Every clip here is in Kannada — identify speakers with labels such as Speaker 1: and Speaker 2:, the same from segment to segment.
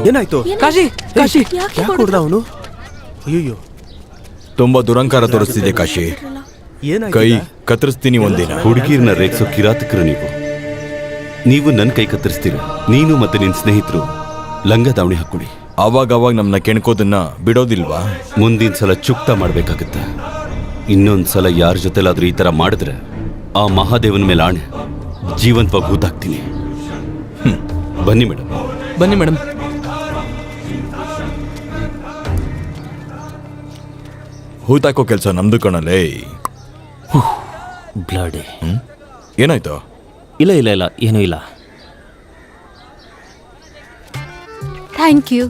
Speaker 1: ಏನಾಯ್ತು?
Speaker 2: ಕಾಶಿ ಕಾಶಿ
Speaker 1: ಯಾಕೆ ಹೊಡೆದ ಅವನು? ಅಯ್ಯೋ,
Speaker 3: ತುಂಬಾ ದುರಂಕಾರ ತೋರಿಸ್ತಿದೆ ಕಾಶಿ.
Speaker 1: ಏನಾಯ್ತು?
Speaker 3: ಕೈ ಕತ್ತರಿಸ್ತೀನಿ ಒಂದಿನ.
Speaker 4: ಹುಡುಗಿರ್ನ ರೇಗ್ಸೋ ಕಿರಾತಕರು ನೀವು ನನ್ನ ಕೈ ಕತ್ತರಿಸ್ತೀರ. ನೀನು ಮತ್ತೆ ನಿನ್ನ ಸ್ನೇಹಿತರು ಲಂಗ ದಾವಣಿ ಹಾಕೊಳ್ಳಿ.
Speaker 3: ಅವಾಗ ನಮ್ನ ಕೆಣ್ಕೋದನ್ನ ಬಿಡೋದಿಲ್ವಾ?
Speaker 4: ಮುಂದಿನ ಸಲ ಚುಕ್ತ ಮಾಡ್ಬೇಕಾಗತ್ತೆ. ಇನ್ನೊಂದ್ಸಲ ಯಾರ ಜೊತೆಲಾದ್ರೂ ಈ ತರ ಮಾಡಿದ್ರೆ ಆ ಮಹಾದೇವನ ಮೇಲೆ ಆಣೆ ಜೀವಂತವಾಗಿ ಹೂತಾಕ್ತೀನಿ. ಬನ್ನಿ ಮೇಡಮ್.
Speaker 2: ಬನ್ನಿ ಮೇಡಮ್.
Speaker 3: ಹೂತಾಕೋ ಕೆಲಸ ನಮ್ದು ಕಣಲೇ.
Speaker 5: ಬ್ಲಡ್.
Speaker 3: ಏನಾಯ್ತು?
Speaker 5: ಇಲ್ಲ ಇಲ್ಲ ಇಲ್ಲ, ಏನೂ ಇಲ್ಲ.
Speaker 6: Thank you.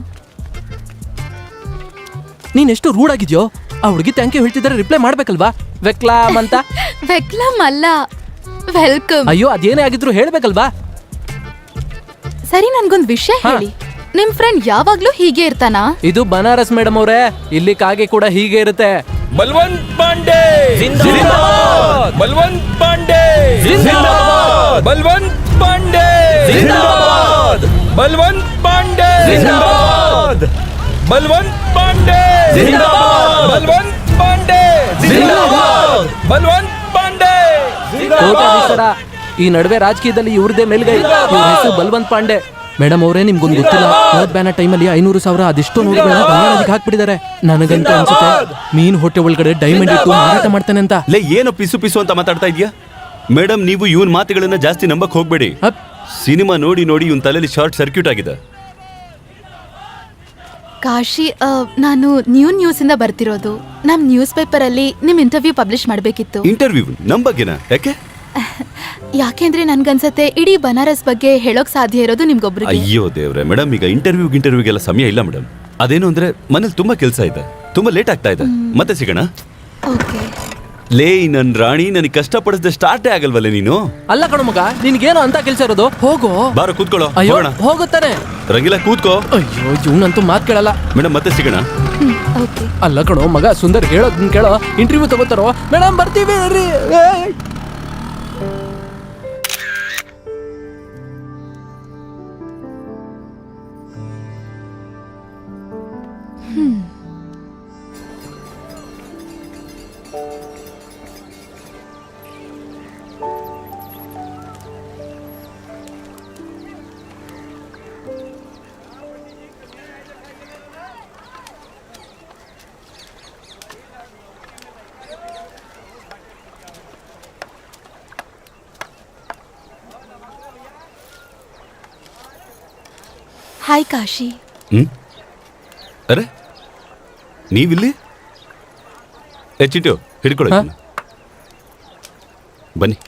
Speaker 2: ನೀನ್ ಎಷ್ಟು ರೂಡ್ ಆಗಿದ್ಯೋ. ಆ ಹುಡುಗಿ ಥ್ಯಾಂಕ್ ಯು ಹೇಳ್ತಿದ್ರೆ ರಿಪ್ಲೈ ಮಾಡ್ಬೇಕಲ್ವಾ? ವೆಕ್ಲಾಮ್ ಅಂತ.
Speaker 6: ವೆಕ್ಲಮ್ ಅಲ್ಲ, ವೆಲ್ಕಮ್.
Speaker 2: ಅಯ್ಯೋ ಅದೇನೇ ಆಗಿದ್ರು ಹೇಳ್ಬೇಕಲ್ವಾ?
Speaker 6: ಸರಿ, ನನ್ಗೊಂದ್ ವಿಷಯ ಹೇಳಿ. ನಿಮ್ ಫ್ರೆಂಡ್ ಯಾವಾಗ್ಲೂ ಹೀಗೆ ಇರ್ತಾನಾ?
Speaker 2: ಇದು ಬನಾರಸ್ ಮೇಡಮ್ ಅವರೇ, ಇಲ್ಲಿ ಕಾಗೆ ಕೂಡ ಹೀಗೆ ಇರುತ್ತೆ.
Speaker 3: ಬಲ್ವಂತ್ ಪಾಂಡೆ ಜಿಂದಾಬಾದ್! ಬಲ್ವಂತ್ ಪಾಂಡೆ ಜಿಂದಾಬಾದ್! ಬಲ್ವಂತ್ ಪಾಂಡೆ ಜಿಂದಾಬಾದ್! ಬಲ್ವಂತ್ ಪಾಂಡೆ ಜಿಂದಾಬಾದ್! ಬಲ್ವಂತ್ ಪಾಂಡೆ ಜಿಂದಾಬಾದ್! ಬಲ್ವಂತ್ ಪಾಂಡೆ ಜಿಂದಾಬಾದ್! ಬಲ್ವಂತ್ ಪಾಂಡೆ
Speaker 2: ಕೋಟ್ಯಾಧೀಶರ. ಈ ನಡುವೆ ರಾಜಕೀಯದಲ್ಲಿ ಇವ್ರದೇ ಮೇಲ್ಗೈ. ಇವ್ರ ಹೆಸರು ಬಲ್ವಂತ್ ಪಾಂಡೆ. ಮೇಡಮ್ ಅವರೇ, ನಿಮ್ಗೊಂದು ಗೊತ್ತಿಲ್ಲ, ನೋಟ್ ಬ್ಯಾನ ಟೈಮಲ್ಲಿ 500,000 ಅದೆಷ್ಟೋ ನೋಟ್ಗಳನ್ನ ಗಂಗಾನದಿಗೆ ಹಾಕ್ಬಿಟ್ಟಿದ್ದಾರೆ. ನನಗಂತ ಅನ್ಸುತ್ತೆ ಮೀನ್ ಹೊಟ್ಟೆ ಒಳಗಡೆ ಡೈಮಂಡ್ ಇಟ್ಟು ಮಾರಾಟ ಮಾಡ್ತಾನೆ ಅಂತ.
Speaker 4: ಲೇ, ಏನು ಪಿಸು ಪಿಸು ಅಂತ ಮಾತಾಡ್ತಾ ಇದೀಯಾ? ಮೇಡಮ್, ನೀವು ಇವನ್ ಮಾತುಗಳನ್ನ ಜಾಸ್ತಿ ನಂಬಕ್ ಹೋಗ್ಬೇಡಿ. ಸಿನಿಮಾ ನೋಡಿ ನೋಡಿ ಇವನ್ ತಲೆಯಲ್ಲಿ ಶಾರ್ಟ್ ಸರ್ಕ್ಯೂಟ್ ಆಗಿದೆ.
Speaker 6: ಕಾಶಿ, ನಾನು ನ್ಯೂಸ್ ಇಂದ ಬರ್ತಿರೋದು. ನಮ್ ನ್ಯೂಸ್ ಪೇಪರ್ ಅಲ್ಲಿ ನಿಮ್ ಇಂಟರ್ವ್ಯೂ ಪಬ್ಲಿಷ್ ಮಾಡ್ಬೇಕಿತ್ತು.
Speaker 4: ಇಂಟರ್ವ್ಯೂ ನಮ್ ಬಗ್ಗೆನಾ? ಯಾಕೆ?
Speaker 6: ಯಾಕೆಂದ್ರೆ ನನ್ಗನ್ಸತ್ತೆ ಇಡೀ ಬನಾರಸ್ ಬಗ್ಗೆ ಹೇಳೋಕ್ ಸಾಧ್ಯ ಇರೋದು ನಿಮ್ಗೊಬ್ರಿಗೆ.
Speaker 4: ಅಯ್ಯೋ ದೇವ್ರೆ ಮೇಡಮ್, ಈಗ ಇಂಟರ್ವ್ಯೂಗೆಲ್ಲ ಸಮಯ ಇಲ್ಲ ಮೇಡಮ್. ಅದೇನು ಅಂದ್ರೆ ಮನೇಲಿ ತುಂಬಾ ಕೆಲಸ ಇದೆ, ತುಂಬಾ ಲೇಟ್ ಆಗ್ತಾ ಇದೆ. ಮತ್ತೆ ಸಿಗೋಣ.
Speaker 6: ಓಕೆ.
Speaker 4: ಲೇ ನನ್ ರಾಣಿ, ನನಗೆ ಕಷ್ಟಪಡಿಸದೆ ಸ್ಟಾರ್ಟೇ ಆಗಲ್ವಲ್ಲ ನೀನು?
Speaker 2: ಅಲ್ಲ ಕಣೋ ಮಗ, ನಿನ್ಗೇನು ಅಂತ ಕೆಲ್ಸ ಇರೋದು? ಹೋಗೋ.
Speaker 4: ಬಾರ ಕೂತ್ಕೊಳ್ಳೋ.
Speaker 2: ಅಯ್ಯೋ
Speaker 4: ಹೋಗೋಣ.
Speaker 2: ಹೋಗುತ್ತಾನೆ.
Speaker 4: ರಂಗಿಲ್ಲ, ಕೂತ್ಕೋ.
Speaker 2: ಅಯ್ಯೋ ಇವ್ನಂತೂ ಮಾತ್ ಕೇಳಲ್ಲ.
Speaker 4: ಮೇಡಮ್, ಮತ್ತೆ ಸಿಗೋಣ.
Speaker 6: ಓಕೆ.
Speaker 2: ಅಲ್ಲ ಕಣೋ ಮಗ, ಸುಂದರ್ ಹೇಳೋದನ್ನ ಕೇಳೋ. ಇಂಟರ್ವ್ಯೂ ತಗೋತಾರೋ? ಮೇಡಮ್ ಬರ್ತೀವಿ ರೀ.
Speaker 6: ಹಾಯ್ ಕಾಶಿ.
Speaker 4: ಅರೆ, ನೀವಿಲ್ಲಿ? ಚಿಂಟು ಹಿಡ್ಕೊಳ್ಳಿ. ಬನ್ನಿ.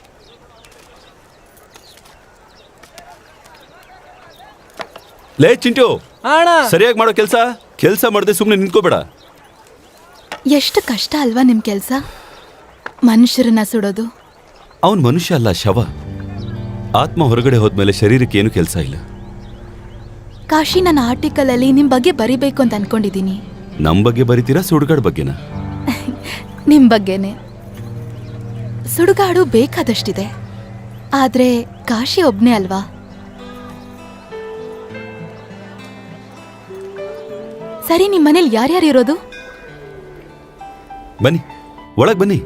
Speaker 4: ಲೇ ಚಿಂಟು, ಸರಿಯಾಗಿ ಮಾಡೋ ಕೆಲಸ ಮಾಡದೆ ಸುಮ್ಮನೆ ನಿಂತ್ಕೋಬೇಡ.
Speaker 6: ಎಷ್ಟು ಕಷ್ಟ ಅಲ್ವಾ ನಿಮ್ ಕೆಲ್ಸ? ಮನುಷ್ಯರನ್ನ ಸುಡೋದು.
Speaker 4: ಅವನ್ ಮನುಷ್ಯ ಅಲ್ಲ, ಶವ. ಆತ್ಮ ಹೊರಗಡೆ ಹೋದ್ಮೇಲೆ ಶರೀರಕ್ಕೆ ಏನು ಕೆಲಸ ಇಲ್ಲ.
Speaker 6: ಕಾಶಿ, ನನ್ನ ಆರ್ಟಿಕಲ್ ಅಲ್ಲಿ ನಿಮ್ ಬಗ್ಗೆ ಬರಿಬೇಕು ಅಂತ ಅನ್ಕೊಂಡಿದೀನಿ.
Speaker 4: ನಮ್ ಬಗ್ಗೆ ಬರಿತೀರಾ, ಸುಡುಗಾಡ್ ಬಗ್ಗೆನಾ?
Speaker 6: ನಿಮ್ ಬಗ್ಗೆನೆ. ಸುಡುಗಾಡು ಬೇಕಾದಷ್ಟಿದೆ, ಆದ್ರೆ ಕಾಶಿ ಒಬ್ನೇ ಅಲ್ವಾ? ಸರಿ, ನಿಮ್ ಮನೇಲಿ ಯಾರ್ಯಾರು ಇರೋದು?
Speaker 4: ಬನ್ನಿ, ಒಳಗ್ ಬನ್ನಿ.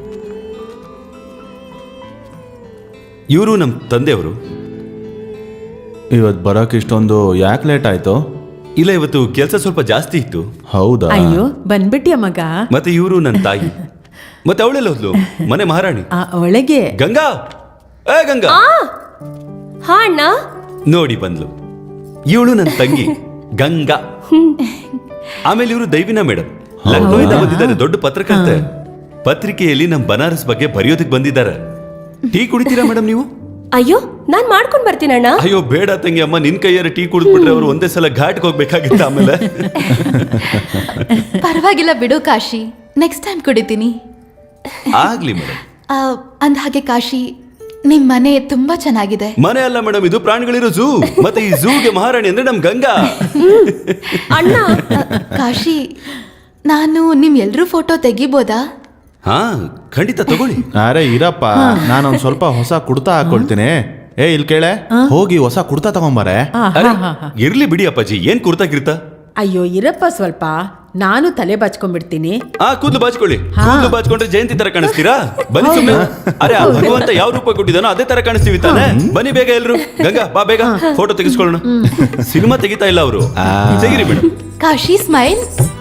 Speaker 4: ಇವರು ನಮ್ ತಂದೆಯವರು.
Speaker 1: ಇವತ್ತು ಬರೋಕೆ ಇಷ್ಟೊಂದು ಯಾಕೆ ಲೇಟ್ ಆಯ್ತು?
Speaker 4: ಇಲ್ಲ, ಇವತ್ತು ಕೆಲಸ ಸ್ವಲ್ಪ ಜಾಸ್ತಿ ಇತ್ತು.
Speaker 1: ಹೌದಾ?
Speaker 7: ಅಯ್ಯೋ, ಬಂದ್ಬಿಟ್ಯ ಮಗ.
Speaker 4: ಮತ್ತೆ ಇವರು ನನ್ನ ತಾಯಿ. ಮತ್ತೆ ಅವಳೆಲ್ಲ ಹೋದ್ಲು? ಮನೆ ಮಹಾರಾಣಿ
Speaker 7: ಒಳಗೆ.
Speaker 4: ಗಂಗಾ, ಗಂಗಾ.
Speaker 7: ಹಾ ಅಣ್ಣ.
Speaker 4: ನೋಡಿ ಬಂದ್ಲು. ಇವಳು ನನ್ನ ತಂಗಿ ಗಂಗಾ. ಆಮೇಲೆ ಇವರು ದೈವಿನ ಮೇಡಮ್, ಲಕ್ನೋಯಿಂದ ಬಂದಿದ್ದಾರೆ. ದೊಡ್ಡ ಪತ್ರಕರ್ತೆ. ಪತ್ರಿಕೆಯಲ್ಲಿ ನಮ್ ಬನಾರಸ್ ಬಗ್ಗೆ ಬರೆಯೋದಕ್ಕೆ ಬಂದಿದ್ದಾರೆ. ಟೀ ಕುಡಿತೀರಾ ಮೇಡಮ್ ನೀವು?
Speaker 7: ಅಯ್ಯೋ, ನಾನ್ ಮಾಡ್ಕೊಂಡ್ ಬರ್ತೀನಣ್ಣ.
Speaker 4: ಅಯ್ಯೋ ಬೇಡ ತಂಗಿ, ಅಮ್ಮ ನಿನ್ ಕೈಯಾರ ಟೀ ಕುಡಿದ್ಬಿಟ್ರೆ ಅವರು ಒಂದೇ ಸಲ ಘಾಟ್ಗೆ ಹೋಗ್ಬೇಕಾಗಿತ್ತ. ಆಮೇಲೆ
Speaker 6: ಪರವಾಗಿಲ್ಲ ಬಿಡು ಕಾಶಿ, ನೆಕ್ಸ್ಟ್ ಟೈಮ್ ಕುಡಿತೀನಿ.
Speaker 4: ಆಗ್ಲಿ ಮೇಡಮ್.
Speaker 6: ಅಂದ ಹಾಗೆ ಕಾಶಿ, ನಿಮ್ ಮನೆ ತುಂಬಾ ಚೆನ್ನಾಗಿದೆ.
Speaker 4: ಮನೆ ಅಲ್ಲ ಮೇಡಮ್, ಇದು ಪ್ರಾಣಿಗಳಿರೋ ಝೂ. ಮತ್ತೆ ಈ ಝೂಗೆ ಮಹಾರಾಣಿ ಅಂದ್ರೆ ನಮ್ ಗಂಗಾ.
Speaker 7: ಅಣ್ಣ,
Speaker 6: ಕಾಶಿ, ನಾನು ನಿಮ್ ಎಲ್ರೂ ಫೋಟೋ ತೆಗಿಬೋದಾ?
Speaker 4: ಹಾ, ಖಂಡಿತ ತಗೊಳ್ಳಿ.
Speaker 1: ಅರೆ ಇರಪ್ಪ, ನಾನೊಂದು ಸ್ವಲ್ಪ ಹೊಸ ಕುಡ್ತಾ ಹಾಕೊಳ್ತೀನಿ. ಏ ಇಲ್ಲಿ ಕೇಳೆ, ಹೋಗಿ ಹೊಸ ಕುರ್ತಾ ತಗೊಂಬಾರೆ.
Speaker 4: ಅರೆ, ಇರ್ಲಿ ಬಿಡಿ ಅಪ್ಪಾಜಿ, ಏನ್ ಕುರ್ತಾ ಗಿರ್ತಾ.
Speaker 8: ಅಯ್ಯೋ ಇರಪ್ಪ ಸ್ವಲ್ಪ, ನಾನು ತಲೆ ಬಾಚ್ಕೊಂಡ್ಬಿಡ್ತೀನಿ.
Speaker 4: ಕೂದಲು ಬಾಚ್ಕೊಳ್ಳಿ. ಕೂದಲು ಬಾಚ್ಕೊಂಡ್ರೆ ಜಯಂತಿ ತರ ಕಾಣಿಸ್ತೀರಾ? ಬನ್ನಿ ಸುಮ್ಮನೆ. ಅರೆ, ಆ ಭಗವಂತ ಯಾವ ರೂಪ ಕೊಟ್ಟಿದಾನೋ ಅದೇ ತರ ಕಾಣಿಸ್ತೀವಿ ತಾನೆ. ಬನ್ನಿ ಬೇಗ ಎಲ್ರು. ಗಂಗಾ ಬಾ ಬೇಗ ಫೋಟೋ ತೆಗಿಸ್ಕೊಳ್ಳೋಣ. ಸಿನಿಮಾ ತೆಗಿತಾ ಇಲ್ಲ ಅವರು. ತೆಗಿರಿ ಮೇಡಮ್.
Speaker 6: ಕಾಶಿ ಸ್ಮೈಲ್.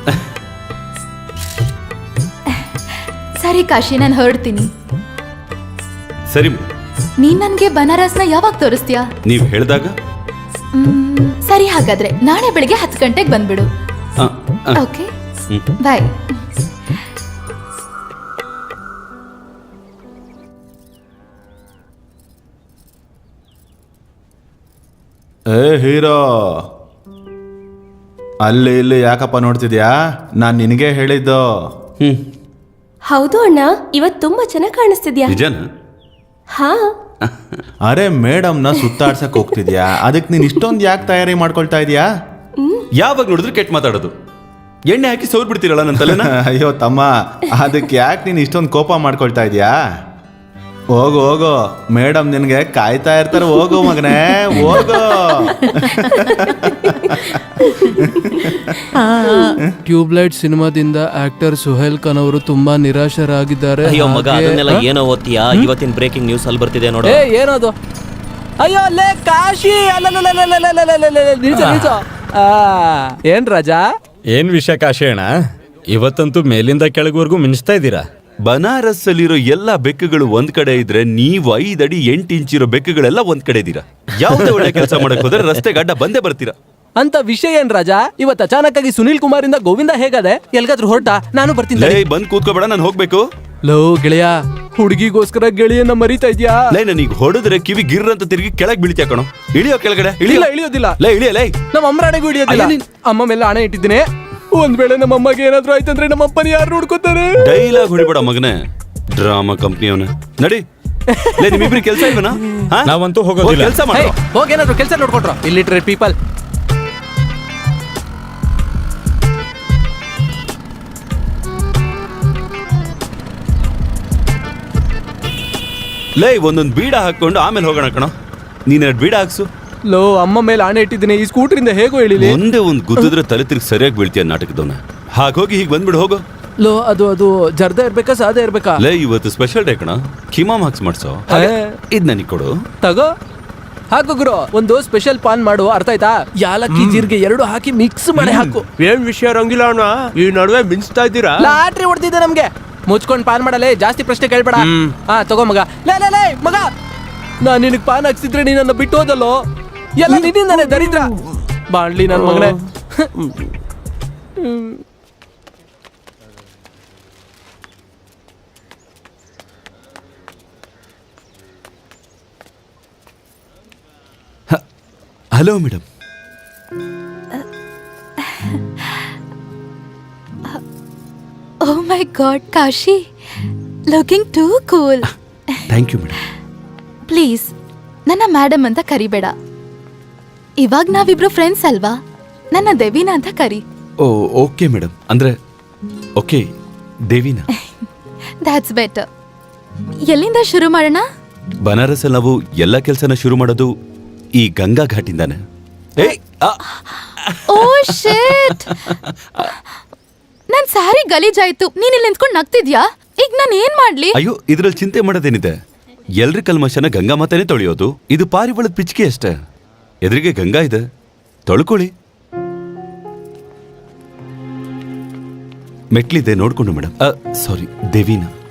Speaker 6: ಸರಿ ಕಾಶಿ, ನಾನು ಹೊರಡ್ತೀನಿ.
Speaker 4: ಸರಿ,
Speaker 6: ನೀನ್ ನನ್ಗೆ ಬನಾರಸ್ನ ಯಾವಾಗ ತೋರಿಸ್ತೀಯಾ?
Speaker 4: ನೀವ್ ಹೇಳ್ದಾಗ.
Speaker 6: ಸರಿ, ಹಾಗಾದ್ರೆ ನಾಳೆ ಬೆಳಿಗ್ಗೆ 10 ಗಂಟೆಗೆ ಬಂದ್ಬಿಡು. Okay, bye.
Speaker 1: ಏ ಹೀರೋ, ಅಲ್ಲಿ ಇಲ್ಲಿ ಯಾಕಪ್ಪ ನೋಡ್ತಿದ್ಯಾ? ನಾನ್ ನಿನಗೆ ಹೇಳಿದ್ದು.
Speaker 7: ಹೌದು ಅಣ್ಣ, ಇವತ್ ತುಂಬಾ ಚೆನ್ನಾಗಿ ಕಾಣಿಸ್ತಿದ್ಯಾ.
Speaker 4: ನಿಜನಾ?
Speaker 7: ಹಾ.
Speaker 1: ಅರೆ ಮೇಡಮ್ನ ಸುತ್ತಾಡ್ಸಕ್ ಹೋಗ್ತಿದ್ಯಾ, ಅದಕ್ಕೆ ನೀನ್ ಇಷ್ಟೊಂದು ಯಾಕೆ ತಯಾರಿ ಮಾಡ್ಕೊಳ್ತಾ ಇದೀಯಾ?
Speaker 4: ಯಾವಾಗ ನೋಡಿದ್ರು ಕೆಟ್ಟ ಮಾತಾಡೋದು. ಎಣ್ಣೆ ಹಾಕಿ ಸೋರ್ ಬಿಡ್ತೀರಲ್ಲ ನನ್ನ ತಲೆನ.
Speaker 1: ಅಯ್ಯೋ ತಮ್ಮ, ಅದಕ್ಕೆ ಯಾಕೆ ನೀನು ಇಷ್ಟೊಂದು ಕೋಪ ಮಾಡ್ಕೊಳ್ತಾ ಇದೀಯಾ? ಹೋಗು ಹೋಗು, ಮೇಡಮ್ ನಿನಗೆ ಕಾಯ್ತಾ ಇರ್ತಾರೆ. ಹೋಗು ಮಗನೇ, ಹೋಗು.
Speaker 2: ಟ್ಯೂಬ್ಲೈಟ್ ಸಿನಿಮಾದಿಂದ ಆಕ್ಟರ್ ಸುಹೇಲ್ ಖಾನ್ ಅವರು ತುಂಬಾ ನಿರಾಶರಾಗಿದ್ದಾರೆ.
Speaker 5: ಅಯ್ಯೋ ಮಗ,
Speaker 2: ಹಾಗೆ-
Speaker 5: ಅದನ್ನೆಲ್ಲ ಏನೋ ಓದ್ತೀಯಾ? ಇವತ್ತಿನ ಬ್ರೇಕಿಂಗ್ ನ್ಯೂಸ್ ಅಲ್ಲಿ ಬರ್ತಿದೆ ನೋಡು.
Speaker 2: ಏ ಏನದು? ಅಯ್ಯೋ ಲೇ ಕಾಶಿ, ನಿಲ್ಸು. ಏನ್ ರಾಜಾ?
Speaker 3: ಏನ್ ವಿಷಯ ಕಾಶಿ ಅಣ್ಣ, ಇವತ್ತಂತೂ ಮೇಲಿಂದ ಕೆಳಗುವರೆಗೂ ಮಿಂಚ್ತಾ ಇದ್ದೀರಾ.
Speaker 4: ಬನಾರಸ್ ಅಲ್ಲಿರೋ ಎಲ್ಲಾ ಬೆಕ್ಕುಗಳು ಒಂದ್ ಕಡೆ ಇದ್ರೆ, ನೀವು 5 ಅಡಿ 8 ಇಂಚ್ ಇರೋ ಬೆಕ್ಕುಗಳೆಲ್ಲ ಒಂದ್ ಕಡೆ ಇದ್ದೀರಾ. ಯಾವ್ದೇ ಒಳ್ಳೆ ಕೆಲಸ ಮಾಡಕ್ ಹೋದ್ರೆ ರಸ್ತೆ ಗಡ್ಡ ಬಂದೇ ಬರ್ತೀರಾ.
Speaker 2: ಅಂತ ವಿಷಯ ಏನ್ ರಾಜಾ? ಇವತ್ತು ಅಚಾನಕ್ ಆಗಿ ಸುನೀಲ್ ಕುಮಾರ್ ಇಂದ ಗೋವಿಂದ ಹೇಗದೆ? ಎಲ್ಗಾದ್ರೂ ಹೊರಟ? ನಾನು ಬರ್ತೀನಿ.
Speaker 4: ಲೇ, ಬಂದ್ ಕೂತ್ಕೋಬೇಡ, ನಾನು ಹೋಗ್ಬೇಕು.
Speaker 2: ಲೋ ಗೆಳೆಯ, ಹುಡುಗಿಗೋಸ್ಕರ ಗೆಳೆಯನ್ನ ಮರಿತಾ ಇದ್ಯಾ?
Speaker 4: ಲೇ, ನನಗೆ ಹೊಡೆದ್ರೆ ಕಿವಿ ಗಿರ್ ಅಂತ ತಿರುಗಿ ಕೆಳಗ್ ಬೀಳ್ತೀಯ ಕಣೋ. ಇಳಿಯೋ ಕೆಳಗಡೆ,
Speaker 2: ಇಲ್ಲ ಇಳಿಯೋದಿಲ್ಲ.
Speaker 4: ಲೇ ಇಳಿಯ. ಲೇ,
Speaker 2: ನಮ್ಮ ಅಮ್ಮರಾಣೆಗೂ ಹಿಡಿಯೋದಿಲ್ಲ. ಅಮ್ಮ ಮೇಲೆ ಹಣ ಇಟ್ಟಿದ್ದೀನಿ. ಒಂದ್ ವೇಳೆ ನಮ್ಮ ಅಮ್ಮಗೆ ಏನಾದ್ರೂ ಆಯ್ತಂದ್ರೆ ನಮ್ಮ ಅಪ್ಪನ ಯಾರು ನೋಡ್ಕೋತಾರೆ?
Speaker 4: ಡೈಲಾಗ್ ಹೊಡಿಬೇಡ ಮಗನೇ, ಡ್ರಾಮಾ ಕಂಪ್ನಿಯವನ. ನಡಿ. ಲೇ, ನಿಮ್ಮಿಬ್ರಿಗೆ ಕೆಲಸ ಇಲ್ವನಾ?
Speaker 3: ನಾವಂತೂ ಹೋಗೋದಿಲ್ಲ.
Speaker 4: ಕೆಲಸ ಮಾಡ.
Speaker 2: ಹೋಗಿ ಏನಾದ್ರು ಕೆಲಸ ನೋಡ್ಕೊಟ್ರು. ಇಲ್ಲಿಟ್ರೆ ಪೀಪಲ್.
Speaker 4: ಲೇ, ಒಂದೊಂದು ಬೀಡ ಹಾಕೊಂಡು ಆಮೇಲೆ ಹೋಗೋಣ ಕಣೋ. ನೀನ್ 2 ಬೀಡ ಹಾಕ್ಸು.
Speaker 2: ಲೋ, ಅಮ್ಮ ಮೇಲೆ ಆಣೆ ಇಟ್ಟಿದ್ದೀನಿ, ಈ ಸ್ಕೂಟರಿಂದ ಹೇಗೋ ಇಳಿಲಿ?
Speaker 4: ಒಂದೇ ಒಂದು ಗುದ್ದಿದ್ರೆ ತಲೆ ತಿರುಗಿ ಸರಿಯಾಗಿ ಬೀಳ್ತೀಯ ನಾಟಕದವನ. ಹಾಗೋಗಿ ಹೀಗೆ ಬಂದ್ಬಿಡು, ಹೋಗೋ.
Speaker 2: ಲೋ, ಅದು ಜರ್ದ ಇರ್ಬೇಕಾ ಸಾದ ಇರ್ಬೇಕಾ?
Speaker 4: ಲೇ, ಇವತ್ತು ಸ್ಪೆಷಲ್ ಡೇ ಕಣ. ಕಿಮಾಮ್ ಹಾಕ್ಸ್ ಮಾಡ್ಸೋ. ಇದ್ ನನಗೆ ಕೊಡು.
Speaker 2: ತಗೋ, ಹಾಕು ಗುರು. ಒಂದು ಸ್ಪೆಷಲ್ ಪಾನ್ ಮಾಡು, ಅರ್ಥ ಆಯ್ತಾ? ಯಾಲಕ್ಕಿ ಜೀರಿಗೆ 2 ಹಾಕಿ ಮಿಕ್ಸ್ ಮಾಡಿ ಹಾಕು.
Speaker 3: ಏನ್ ವಿಷಯ ರಂಗಿಲ್ಲ ಅಣ್ಣ, ಈ ನಡುವೆ ಮಿಂಚ್ತಾ ಇದ್ದೀರಾ?
Speaker 2: ಲಾಟ್ರಿ ಹೊಡ್ತಿದ್ದೆ ನಮ್ಗೆ. ಮುಚ್ಕೊಂಡ್ ಪಾನ್ ಮಾಡಲೇ, ಜಾಸ್ತಿ ಪ್ರಶ್ನೆ ಕೇಳ್ಬೇಡ. ಹಾ ತಗೋ ಮಗ. ಲೇ ಮಗ, ನಾನ್ ನಿನಗ್ ಪಾನ್ ಹಾಕ್ಸಿದ್ರೆ ನೀ ನನ್ನ ಬಿಟ್ಟು ಹೋದಲ್ಲೋ. ಎಲ್ಲ ನಿನ್ನಿಂದಾನೆ ದರಿದ್ರ. ಬಾಣ್ಲಿ ನನ್ ಮಗನೇ.
Speaker 4: Hello madam.
Speaker 6: Oh my god Kashi, looking too cool.
Speaker 4: Thank you madam.
Speaker 6: Please ನನ್ನ ಮೇಡಮ್ ಅಂತ ಕರಿಬೇಡ. ಇವಾಗ ನಾವಿಬ್ರು ಫ್ರೆಂಡ್ಸ್ ಅಲ್ವಾ? ನನ್ನ ದೇವಿನ ಅಂತ ಕರಿ.
Speaker 4: Oh okay madam. ಅಂದ್ರೆ ಓಕೆ, ದೇವಿನಾ.
Speaker 6: That's better. ಎಲ್ಲಿಂದ ಶುರು ಮಾಡೋಣ?
Speaker 4: ಬನಾರಸ್ ಅಲ್ಲಿ ನಾವು ಎಲ್ಲ ಕೆಲಸನ ಶುರು ಮಾಡೋದು ಈ ಗಂಗಾ ಘಾಟಿಂದಾನೆ.
Speaker 6: ಓ ಶಿಟ್, ನನ್ ಸಾರಿ ಗಲೀಜಾಯ್ತು. ನೀನ್ ಇಲ್ಲಿ ನಿಂತ್ಕೊಂಡು ನಗ್ತಿದ್ಯಾ? ಈಗ ನಾನು ಏನ್ ಮಾಡ್ಲಿ?
Speaker 4: ಅಯ್ಯೋ, ಇದ್ರಲ್ಲಿ ಚಿಂತೆ ಮಾಡೋದೇನಿದೆ? ಎಲ್ರ ಕಲ್ಮಶನ ಗಂಗಾ ಮಾತಾನೆ ತೊಳೆಯೋದು. ಇದು ಪಾರಿವಾಳದ ಪಿಚ್ಕೆ ಅಷ್ಟೇ. ಎದುರಿಗೆ ಗಂಗಾ ಇದೆ, ತೊಳ್ಕೊಳ್ಳಿ. ಮೆಟ್ಲಿದೆ ನೋಡ್ಕೊಂಡು ಮೇಡಮ್. ಸಾರಿ, ದೇವಿನಾ.